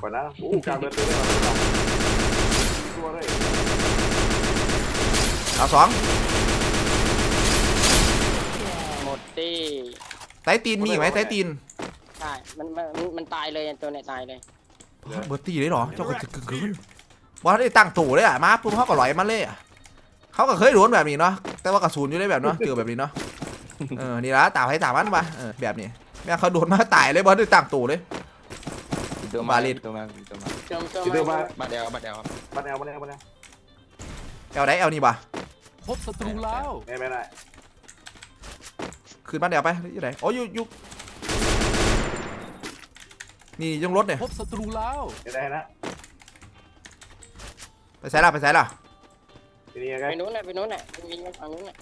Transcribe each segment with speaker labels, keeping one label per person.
Speaker 1: ก่อนนะกลางเดินไปเลยตัวเลย
Speaker 2: เอาสอง
Speaker 3: หมดตี
Speaker 2: ไตตีนมีอีกไหมไตตีน
Speaker 3: ใช่มันตายเลยตัวเนี่ยตายเลย
Speaker 2: เบอร์ตีเลยเหรอเจ้าก็จะกึ่งว่าได้ตั้งตู่เลยอ่ะมาปุ๊บเขาก็ลอยมาเลยเขาก็เคยโดนแบบนี้เนาะแต่ว่ากระสุนอยู่ได้แบบเนาะเจอแบบนี้เนาะนี่ละตาให้ตามันมาแบบนี้แม่เขาโดนมาตายเลยบอลได้ตั้งตู่เลย
Speaker 4: ตัวมาลิดตัวมาบัดเอล
Speaker 2: เอลไหนเอลนี่บ่
Speaker 5: พบศัตรูแล้ว
Speaker 1: ไม่ได้
Speaker 2: คืนบ้านเอลไปอยู่ไหนอ๋ออยู่นี่ยังรถเนี่ย
Speaker 5: พบศัตรูแล้ว
Speaker 1: ได้นะ
Speaker 2: ไปใส่ละไป
Speaker 3: นู้นน่ะวิ่งไปฝั่งนู้นน่ะ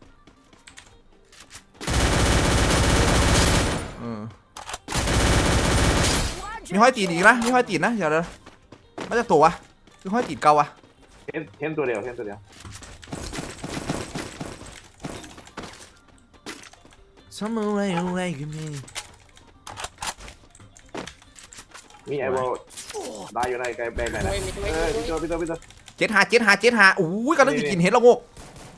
Speaker 2: มีห้อยตีนอีกนะมีห้อยตีนนะเดี๋ยวมาจากตัววะมีห้อยตีนเก่าวะ
Speaker 1: เห็นตัวเดียว
Speaker 2: Somewhere away from me
Speaker 1: มีไอ้บอลได้อยู่ในไกลแบงไหนนะพี่ตัว
Speaker 2: 7-5อุ้ยกำลังจะกินเห็ดละงก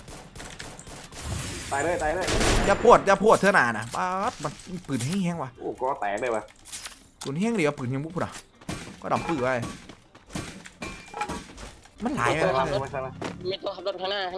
Speaker 1: ตายเลย
Speaker 2: อย่าพวดเท่านานะป๊าดมันปืนแห้งๆว่ะ
Speaker 1: ก็แตกเลยวะ
Speaker 2: ปืนแห้งเดียวปืนยังบุกพุ่นอ่ะก็ดำปืนไว้มันหลายเลย
Speaker 3: มีตัวขับรถข้างหน้า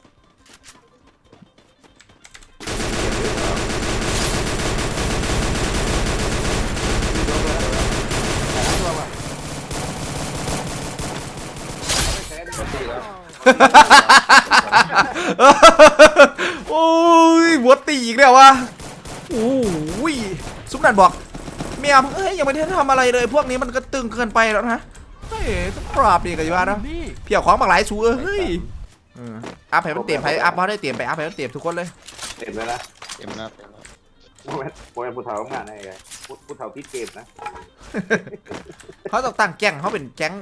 Speaker 2: โอ้ยหัวตีอีกแล้ววะโอ้ยซุปนันบอกเมียเอ้ยยังไม่ได้ทำอะไรเลยพวกนี้มันก็ตึงเกินไปแล้วนะเฮ้ยต้องปราบดีกันอยู่นะเพี้ยของบางหลายชูเฮ้ยอัพให้มันเต็มไปอัพเขาได้เต็มไปอัพให้มันเต็มทุกคนเลย
Speaker 1: เต็มเลยนะโมเป็นผู้เฒ่างานไงผู้เฒ่าพี่เกมนะ
Speaker 2: เขาต้องตั้งแก๊งเขาเป็นแก๊ง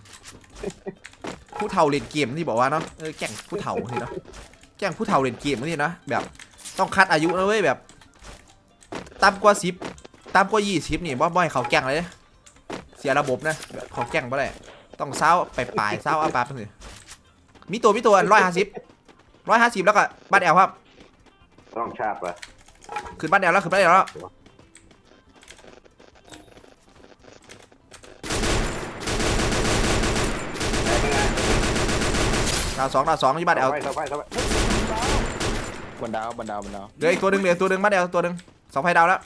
Speaker 2: ผู้เฒ่าเล่นเกมที่บอกว่าเนาะแก๊งผู้เฒ่านี่เนาะแก๊งผู้เฒ่าเล่นเกมนี่นะแบบต้องคัดอายุนะเว้ยแบบต่ำกว่า10ต่ำกว่า20นี่บ่อยเขาแก๊งเลยเสียระบบนะแบบเขาแก๊งบ่ได้ต้องเศร้าไปปลายเศร้าอาปาไปเลยมีตัว150แล้วก็บ้านแอลครับ
Speaker 1: ต้องชาบอะ
Speaker 2: ขึ้นบ้านแอลแล้วดาวสองที่บ้านแอล
Speaker 4: บนดาว
Speaker 2: เหลืออีกตัวหนึ่งบ้านแอลตัวหนึ่ง2 ไฟดาวแล้ว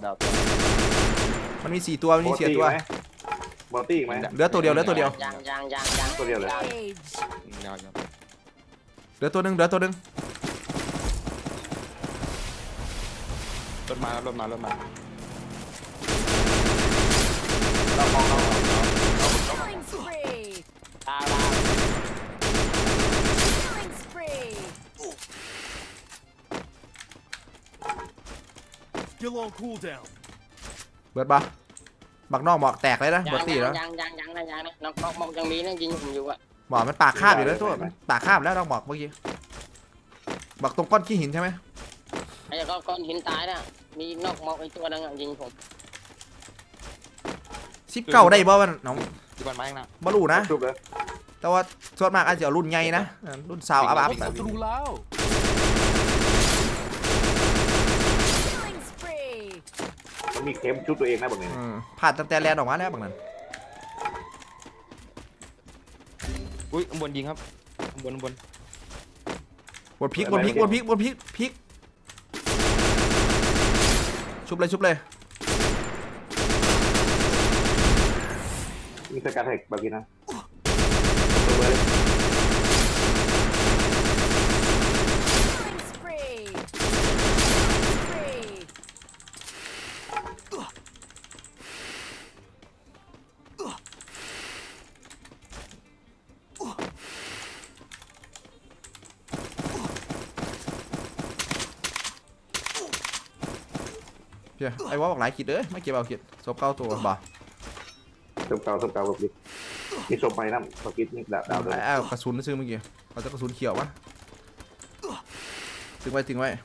Speaker 2: มันมี4 ตัวมันมี4 ตัว
Speaker 1: บอลตี้ไหม
Speaker 2: เหลือตัวเดียว
Speaker 3: ยัง
Speaker 1: ตัวเดียวเลย
Speaker 2: เหลือตัวหนึ่งรถ
Speaker 4: มา
Speaker 3: เรา
Speaker 2: เบิดบักนอกหมอกแตกเลยนะบอตี้แล้ว
Speaker 3: ยังน้องมองยังมีนะยิงผมอยู่อะ
Speaker 2: หมอกมันปากคาบอยู่แล้วตัวปากคาบแล้วน้องหมอกเมื่อกี้บักตรงก้อนขี้หินใช่ไหม
Speaker 3: ไอ้ก้อนหินตายน่ะมีนอกมองไอ้ตัวนึงยิงผม
Speaker 2: 19ได้บ่มันน้อง
Speaker 4: ที่บ้านไม้นะ
Speaker 2: บอลูนะแต่ว่าส่วนมากอาจจะรุ่นใหญ่นะรุ่นสาวอัพ
Speaker 1: มันมีเข้มชุดตัวเองนะแบบนี้
Speaker 2: ผ่านตั้งแต่แลนออกมาแล้วบางนั้น
Speaker 4: อุ้ยบนยิงครับบน
Speaker 2: พลิกชุบเลย
Speaker 1: มีสกัดแท็กแบบนี้นะ
Speaker 2: ไอ้ว่าบอกหลายขีดเลยไม่เก็บเอาขีดศพเก้าตัวบ่
Speaker 1: ศพเก่าแบบนี้มีศพไปนะสกิดนี่ดาวเลย
Speaker 2: กระสุนซื้อเมื่อกี้เขาจะกระสุนเขียววะถึงไว้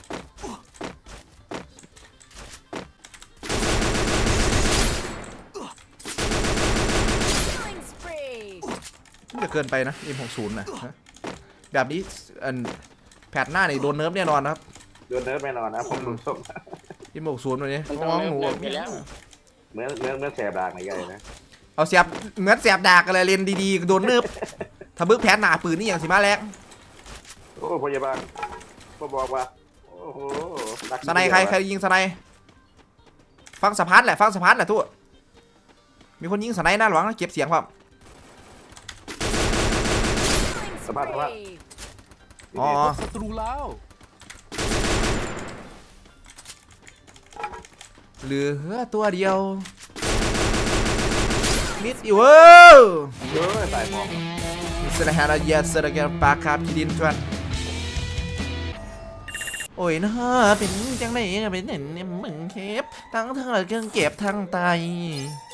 Speaker 2: จะเกินไปนะ M60 นะฮะแบบนี้อันแพทหน้านี่โดนเนิร์ฟแน่นอนนะครับ
Speaker 1: โดนเนิร์ฟแน่นอนนะผมรู้ส้ม
Speaker 2: M60 ตัวนี้
Speaker 3: มันต้อง
Speaker 2: น้อง
Speaker 3: เริ่
Speaker 2: ห
Speaker 3: ม
Speaker 2: นู
Speaker 3: เริ่มไปแล้ว
Speaker 1: เหมือนแสบดากในใหญ่นะ
Speaker 2: เอาเสียบเหมือนเสียบดากอะไรเลนดีๆโดนเนิร์ฟถ้าบึกแพทหน้าปืนนี่อย่างสิมาแรง
Speaker 1: โอ้พยาบาลก็บอกว่าโอ้โห
Speaker 2: สไนใครยิงสไนฟังสะพานแหละฟังสะพานแหละทุกมีคนยิงสไนหน้าหลวงนะเก็บเสียงครับ
Speaker 1: สภาพ
Speaker 2: อ๋อ
Speaker 5: พบศัตรูแล้ว
Speaker 2: เหลือตัวเดียวมิดอยู่เว้ย
Speaker 1: เยอะสายหมอก
Speaker 2: สระหาราเยสระแกปากคาบคิดินจวนโอ้ยนะเป็นจังไหนเป็นเห็นมึงเคปทั้งเราเครื่องเก็บทั้งไต